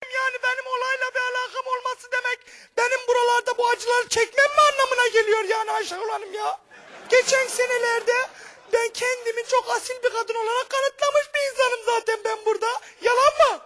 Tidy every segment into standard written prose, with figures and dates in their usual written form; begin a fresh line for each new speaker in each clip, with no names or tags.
Yani benim olayla bir alakam olması demek benim buralarda bu acıları çekmem mi anlamına geliyor yani Ayşegül Hanım ya? Geçen senelerde ben kendimi çok asil bir kadın olarak kanıtlamış bir insanım zaten ben burada. Yalan mı?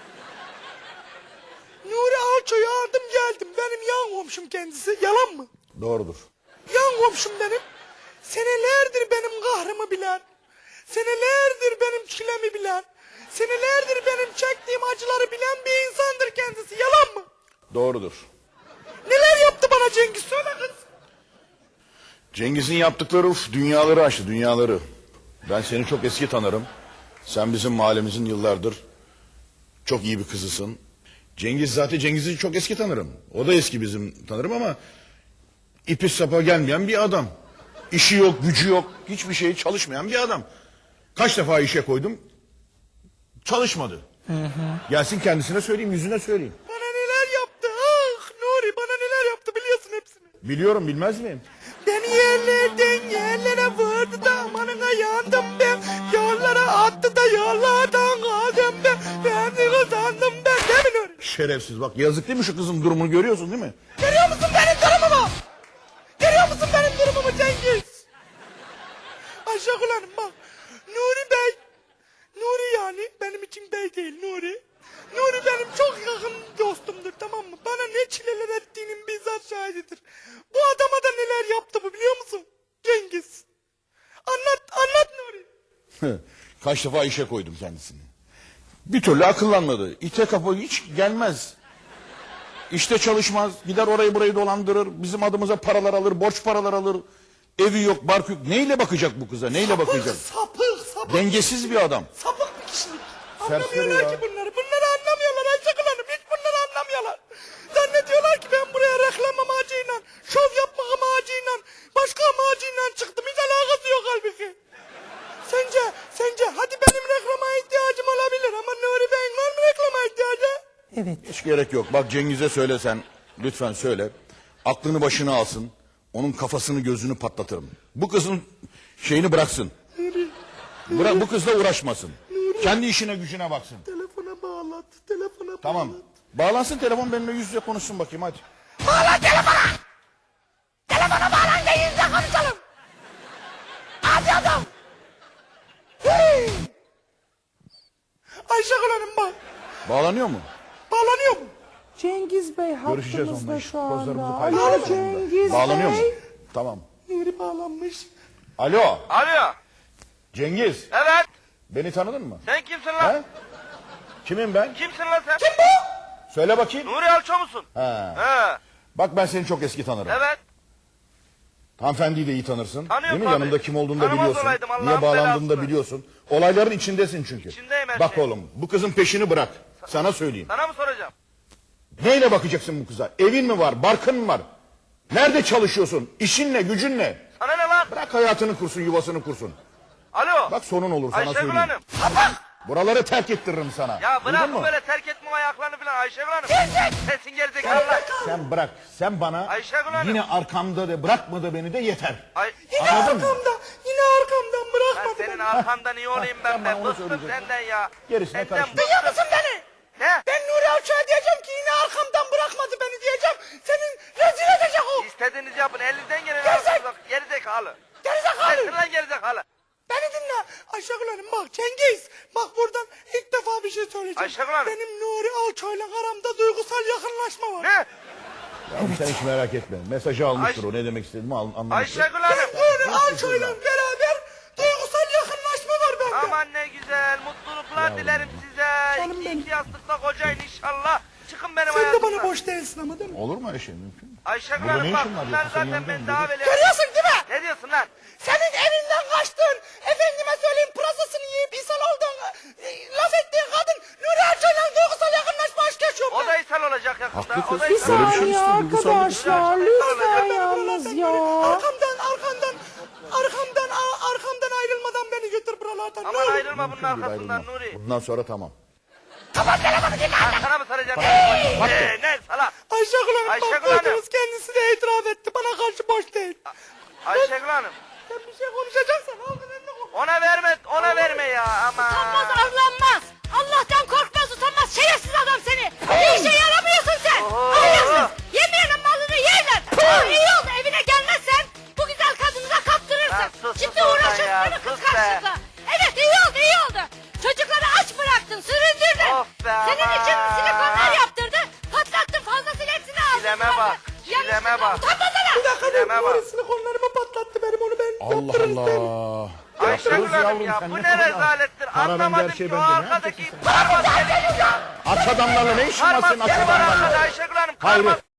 Nuri Alço'yu aldım geldim. Benim yan komşum kendisi. Yalan mı?
Doğrudur.
Yan komşum benim. Senelerdir benim kahrımı bilen, senelerdir benim çilemi bilen, senelerdir benim çektiğim acıları bilen bir insandır kendisi. Yalan mı?
Doğrudur.
Neler yaptı bana Cengiz? Söyle kız.
Cengiz'in yaptıkları dünyaları aştı, dünyaları. Ben seni çok eski tanırım. Sen bizim mahallemizin yıllardır çok iyi bir kızısın. Cengiz'i çok eski tanırım. O da eski bizim tanırım ama ipi sapa gelmeyen bir adam. İşi yok, gücü yok, hiçbir şey çalışmayan bir adam. Kaç defa işe koydum, çalışmadı. Gelsin kendisine söyleyeyim, yüzüne söyleyeyim.
Bana neler yaptı? Ah Nuri bana neler yaptı biliyorsun hepsini.
Biliyorum, bilmez miyim?
Beni yerlerden yerlere vurdu da amanına yandım ben. Yollara attı da yollardan kaldım ben. Ben de kazandım ben. Değil mi Nuri?
Şerefsiz bak, yazık değil mi şu kızın durumunu görüyorsun değil mi?
Görüyor musun benim durumumu? Görüyor musun benim durumumu Cengiz? Ayşegül Hanım bak. Nuri Bey. Nuri yani benim için bey değil Nuri. Nuri benim çok yakın dostumdur tamam mı? Bana ne çileler ettiğinin bizzat şahididir. Bu adama da neler yaptı bu biliyor musun? Cengiz. Anlat Nuri.
Kaç defa işe koydum kendisini. Bir türlü akıllanmadı. İte kapı hiç gelmez. İşte çalışmaz. Gider orayı burayı dolandırır. Bizim adımıza paralar alır. Borç paralar alır. Evi yok, bark yok. Neyle bakacak bu kıza? Neyle bakacak?
Sapık.
Dengesiz bir adam.
Sapık bir kişilik.
Serseri
Anlamıyorlar
ya.
ki bunları. Bunları anlamıyorlar Ayşegül Hanım. Hiç bunları anlamıyorlar. Zannediyorlar ki ben buraya reklam amacıyla, şov yapmak amacıyla, başka amacıyla çıktım. Hiç alakası yok halbuki. Sence hadi benim reklama ihtiyacım olabilir ama Nuri Bey'in var mı reklama ihtiyacı?
Evet.
Hiç gerek yok. Bak Cengiz'e söylesen. Lütfen söyle. Aklını başına alsın. Onun kafasını gözünü patlatırım. Bu kızın şeyini bıraksın. Bu kızla uğraşmasın. Kendi işine gücüne baksın.
Telefona bağlat. Telefona
Tamam.
bağlat.
Bağlansın telefon benimle yüz yüze konuşsun bakayım hadi.
Bağlan telefona! Telefona bağlan da yüzle konuşalım. Hadi adam. Hey! Ayşegül Hanım bak.
Bağlanıyor mu?
Bağlanıyor mu?
Cengiz Bey
Görüşeceğiz
hattımızda
onunla.
şu anda.
Pozlarımızı
Alo
paylaşacağız
Cengiz
onunla. Bağlanıyor mu?
Bey.
Tamam.
Nuri bağlanmış.
Alo.
Alo.
Cengiz.
Evet.
Beni tanıdın mı?
Sen kimsin lan?
He? Kimim ben?
Kimsin lan sen?
Kim bu?
Söyle bakayım.
Nuri Alço musun?
He.
He.
Bak ben seni çok eski tanırım.
Evet.
Hanımefendiyi de iyi tanırsın.
Tanıyorum
Değil mi?
tabii.
Yanımda kim olduğunu da
Tanımaz
biliyorsun.
olaydım, Allah'ın
Niye bağlandığını da
belasını.
biliyorsun. Olayların içindesin çünkü.
İçindeyim her
Bak
şeyin.
oğlum bu kızın peşini bırak. Sana söyleyeyim.
Sana mı soracağım?
Neyle bakacaksın bu kıza? Evin mi var? Barkın mı var? Nerede çalışıyorsun? İşin ne? Gücün ne?
Sana ne lan?
Bırak hayatını kursun, yuvasını kursun.
Alo.
Bak sonun olur sana
Ayşegül
söyleyeyim.
Hanım.
Buraları terk ettiririm sana.
Ya
Duydun
bırak
mu?
böyle terk etme ayaklarını falan Ayşegül Hanım. Sesin gerizekalı lan.
Sen bırak. Sen bana
Ayşegül Hanım.
yine arkamda de bırakma da beni de yeter.
Yine
Anladın mı?
yine arkamdan
Ben
bırakmadı
senin
beni.
arkandan iyi olayım ben
Tamam,
be.
onu
Bıktım
söyleyeceğim.
senden ya.
Gerisine
Senden
karışma.
Duyuyor
bıktım.
musun beni?
Ne?
Ben Nuri Alço'ya diyeceğim ki yine arkamdan bırakmadı beni diyeceğim. Senin rezil edecek o.
İstediğinizi yapın. Elinizden geleni
Gerizek-
yapın. Gerizekalı.
Gerizekalı.
Sensin lan gerizekalı.
Beni dinle. Ayşegül Hanım bak Cengiz. Bak buradan ilk defa bir şey söyleyeceğim.
Ayşegül Hanım.
Benim Nuri Alço'yla aramda duygusal yakınlaşma var.
Ne?
Yavrum sen hiç merak etme. Mesajı almıştır
Ayş-
o. Ne demek istediğimi anlamıştır.
Ayşegül
Ben
Hanım.
Nuri Alço'yla beraber duygusal yakınlaşma var bende.
Aman ne güzel. Mutluluklar dilerim size.
Canım benim.
İki yastıkla kocayın inşallah. Çıkın benim
Sen de
hayatımdan.
bana boş değilsin ama değil mi?
Olur mu öyle şey mümkün mü?
Ayşegül
Burada
Hanım
ne
bak
işin var?
bunlar
Yoksa senin
zaten
yanında
ben
mı?
daha böyle...
Görüyorsun değil mi?
Ne diyorsun lan?
Senin evinden kaçtığın, efendime söyleyeyim pırasasını yiyip insan olduğun, laf ettiğin kadın Nuri Alço'yla duygusal yakınlaşma aşk yaşıyor.
O da ishal olacak yakında.
Haklı
O
kız.
da
Bir
ishal
Böyle bir
olacak.
şey
saniye
istedim, bu sandık.
arkadaşlar lütfen yalnız ya.
Arkamdan ayrılmadan beni götür buralardan. Ne
Aman
olur.
ayrılma bunun
Mümkün değil,
arkasından
ayrılma.
Nuri.
Bundan sonra tamam.
Ben sana mı saracağım? Ne salak?
Ayşegül Hanım
Ayşegül
bak
Hanım.
duydunuz kendisi de itiraf etti. Bana karşı boş değil.
Ayşegül Hanım.
Sen bir şey konuşacaksan al benimle konuş.
Ona verme ya ama.
Utanmaz arlanmaz. Allah'tan korkmaz utanmaz şerefsiz adam seni. yanlışlıkla. Evet iyi oldu. Çocukları aç bıraktın, süründürdün.
Of be
Senin
aman.
için silikonlar yaptırdı. Patlattın, fazlasıyla hepsini aldın.
Çileme bak, çileme bak.
Utanmasana.
Bir dakika
Çileme bak.
Nuri silikonlarımı patlattı benim onu ben
Allah
yaptırırım ben.
Allah.
Ayşegül
Yaptırırız
Hanım
yavrum,
ya
sen
bu
ne
ne
kadar-
rezalettir.
Para bende,
Anlamadım
her şey
ki o
bende. Ne
arkadaki
yapacaksın sen?
parmak senin ya.
Aç adamlarla ne işin var
Parmak
senin aç
senin var arkada
adamlarla?
Ayşegül Hanım.
Hayır.
Parmak